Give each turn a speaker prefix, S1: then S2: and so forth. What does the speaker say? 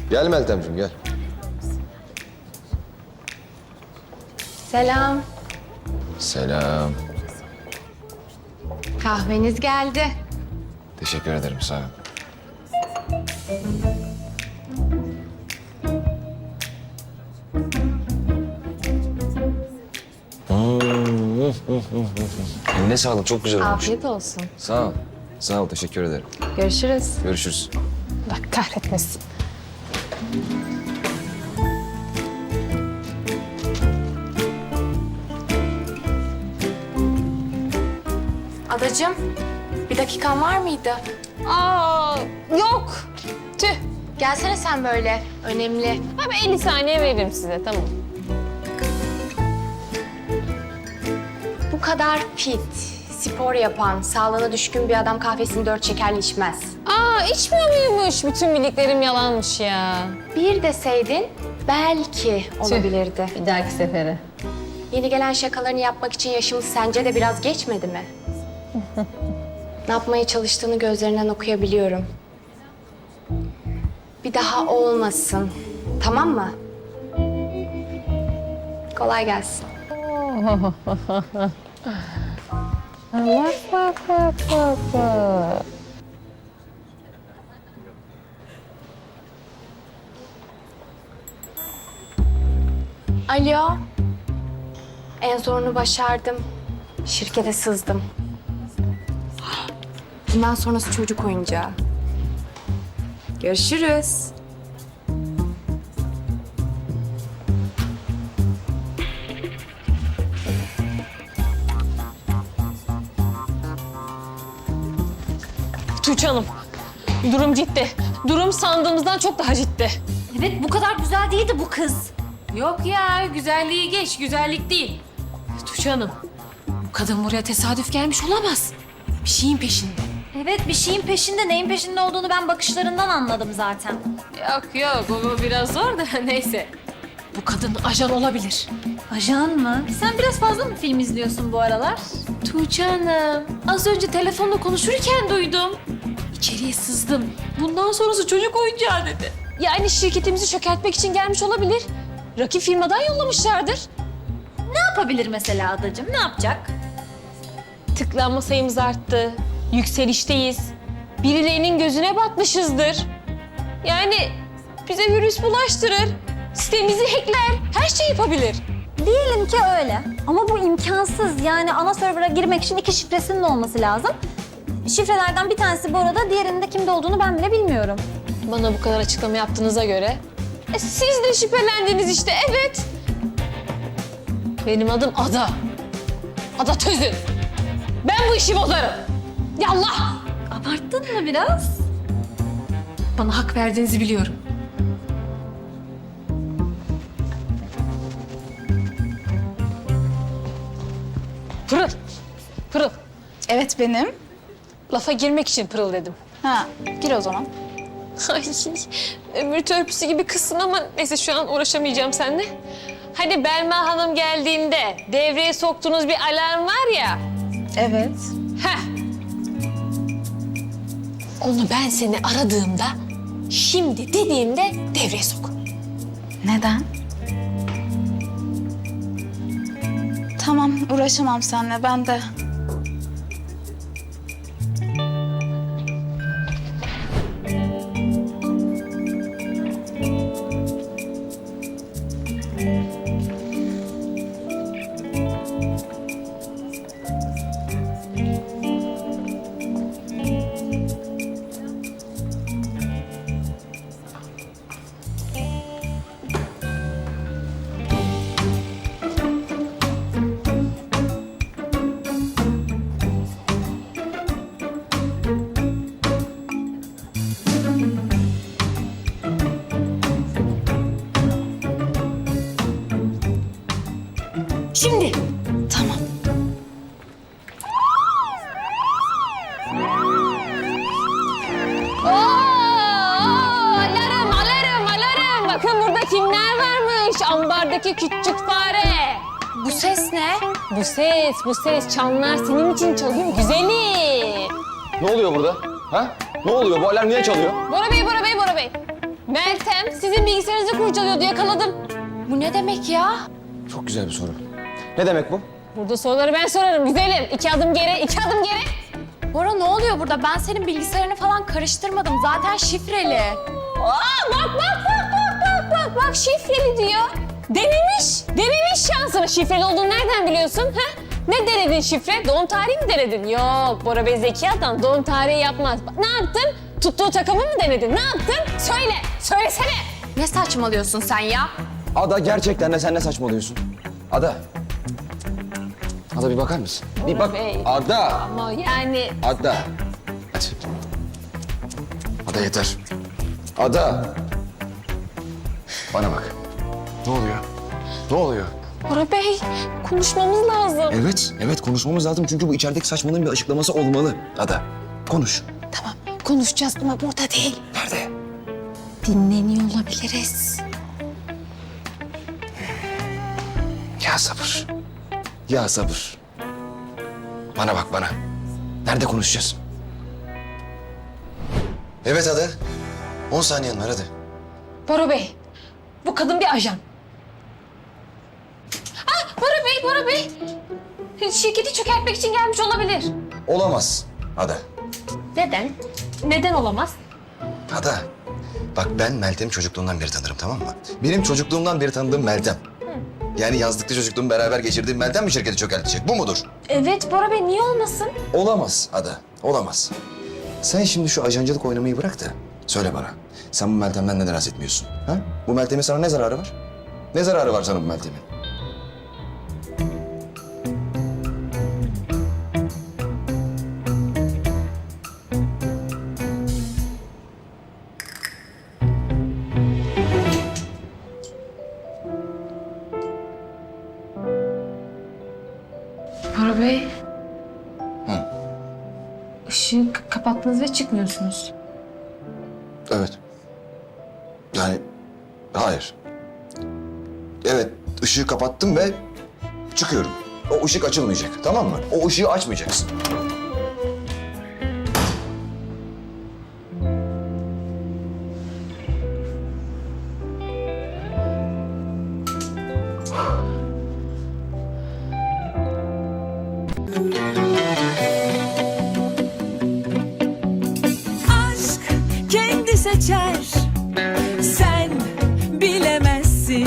S1: Gel Meltemciğim gel.
S2: Selam.
S1: Selam.
S2: Kahveniz geldi.
S1: Teşekkür ederim sağ ol. Eline sağlık, çok güzel olmuş.
S2: Afiyet olsun.
S1: Sağ ol. Sağ ol, teşekkür ederim.
S2: Görüşürüz.
S1: Görüşürüz.
S2: Bak kahretmesin. Adacığım, bir dakikan var mıydı?
S3: Aa, yok. Tüh.
S2: Gelsene sen böyle, önemli.
S3: Ben 50 saniye veririm size, tamam.
S2: Bu kadar fit, spor yapan, sağlığına düşkün bir adam kahvesini 4 şekerli içmez.
S3: Aa, içmiyor muymuş? Bütün bildiklerim yalanmış ya.
S2: Bir deseydin belki olabilirdi.
S3: Bir dahaki sefere.
S2: Yeni gelen şakalarını yapmak için yaşımız sence de biraz geçmedi mi? Ne yapmaya çalıştığını gözlerinden okuyabiliyorum. Bir daha olmasın. Tamam mı? Kolay gelsin.
S3: Bak.
S2: Alo. En zorunu başardım. Şirkete sızdım. Bundan sonrası çocuk oyuncağı. Görüşürüz.
S3: Tuğçe Hanım, durum ciddi. Durum sandığımızdan çok daha ciddi.
S4: Evet, bu kadar güzel değildi bu kız.
S5: Yok ya, güzelliği geç, güzellik değil. Tuğçe Hanım, bu kadın buraya tesadüf gelmiş olamaz. Bir şeyin peşinde.
S4: Evet, bir şeyin peşinde. Neyin peşinde olduğunu ben bakışlarından anladım zaten.
S5: Yok, bu biraz zor da neyse. Bu kadın ajan olabilir.
S4: Ajan mı? Sen biraz fazla mı film izliyorsun bu aralar?
S5: Tuğçe Hanım, az önce telefonla konuşurken duydum. İçeriye sızdım. Bundan sonrası çocuk oyuncağı dedi.
S3: Yani şirketimizi çökertmek için gelmiş olabilir. Rakip firmadan yollamışlardır.
S4: Ne yapabilir mesela adacığım? Ne yapacak?
S3: Tıklanma sayımız arttı. Yükselişteyiz. Birilerinin gözüne batmışızdır. Yani bize virüs bulaştırır. Sitemizi hackler. Her şey yapabilir.
S4: Diyelim ki öyle. Ama bu imkansız. Yani ana server'a girmek için 2 şifresinin olması lazım. Şifrelerden bir tanesi bu arada, diğerinin de kimde olduğunu ben bile bilmiyorum.
S3: Bana bu kadar açıklama yaptığınıza göre siz de şüphelendiniz işte, evet. Benim adım Ada. Ada Tözün. Ben bu işi bozarım. Yallah.
S4: Abarttın mı biraz?
S5: Bana hak verdiğinizi biliyorum.
S3: Pırıl. Pırıl.
S6: Evet benim.
S3: Lafa girmek için pırıl dedim.
S6: Ha, gir o zaman.
S3: Ay, ömür törpüsü gibi kızsın ama neyse şu an uğraşamayacağım seninle. Hani Belma Hanım geldiğinde devreye soktuğunuz bir alarm var ya.
S6: Evet.
S3: Heh. Onu ben seni aradığımda, şimdi dediğimde devreye sok.
S6: Neden? Tamam, uğraşamam seninle. Ben de.
S4: Şimdi.
S6: Tamam.
S3: Alarm. Bakın burada kimler varmış? Ambardaki küçük fare.
S2: Bu ses ne?
S3: Bu ses çanlar senin için çalıyor güzelim.
S1: Ne oluyor burada? Ha? Ne oluyor? Bu alarm niye çalıyor?
S3: Bora Bey. Meltem sizin bilgisayarınızı kurcalıyordu, yakaladım.
S2: Bu ne demek ya?
S1: Çok güzel bir soru. Ne demek bu?
S3: Burada soruları ben sorarım güzelim. 2 adım geri, 2 adım geri.
S2: Bora ne oluyor burada? Ben senin bilgisayarını falan karıştırmadım. Zaten şifreli.
S3: Aa, bak şifreli diyor. Denemiş şansını. Şifreli olduğunu nereden biliyorsun? Ha? Ne denedin şifre? Doğum tarihi mi denedin? Yok, Bora Bey zeki adam doğum tarihi yapmaz. Ne yaptın? Tuttuğu takımı mı denedin? Ne yaptın? Söylesene.
S2: Ne saçmalıyorsun sen ya?
S1: Ada gerçekten de sen ne saçmalıyorsun? Ada. Ada bir bakar mısın? Bir bak.
S3: Bey.
S1: Ada.
S3: Ama yani
S1: Ada. Hadi. Ada yeter. Ada. Bana bak. Ne oluyor? Ne oluyor?
S3: Bora Bey konuşmamız lazım.
S1: Evet konuşmamız lazım çünkü bu içerideki saçmalığın bir açıklaması olmalı. Ada, konuş.
S3: Tamam konuşacağız ama burada değil.
S1: Nerede?
S3: Dinleniyor olabiliriz.
S1: Ya sabır. Ya sabır. Bana bak bana. Nerede konuşacağız? Evet Ada. 10 saniyen var hadi.
S3: Bora Bey, bu kadın bir ajan. Ah, Bora Bey. Şirketi çökertmek için gelmiş olabilir.
S1: Olamaz Ada.
S3: Neden? Neden olamaz?
S1: Ada. Bak ben Meltem'i çocukluğumdan beri tanırım tamam mı? Benim çocukluğumdan beri tanıdığım Meltem. Yani yazlıkta çocukluğumu beraber geçirdiğim Meltem mi şirketi çökertecek? Bu mudur?
S3: Evet Bora Bey, niye olmasın?
S1: Olamaz Ada. Olamaz. Sen şimdi şu ajancılık oynamayı bırak da söyle bana. Sen bu Meltem'den neden rahatsız etmiyorsun? Ha? Bu Meltem'in sana ne zararı var? Ne zararı var sana bu Meltem'in?
S5: Bora Bey.
S1: Hı.
S5: Işığı kapattınız ve çıkmıyorsunuz.
S1: Evet. Yani hayır. Evet ışığı kapattım ve çıkıyorum. O ışık açılmayacak tamam mı? O ışığı açmayacaksın.
S7: aşk kendi seçer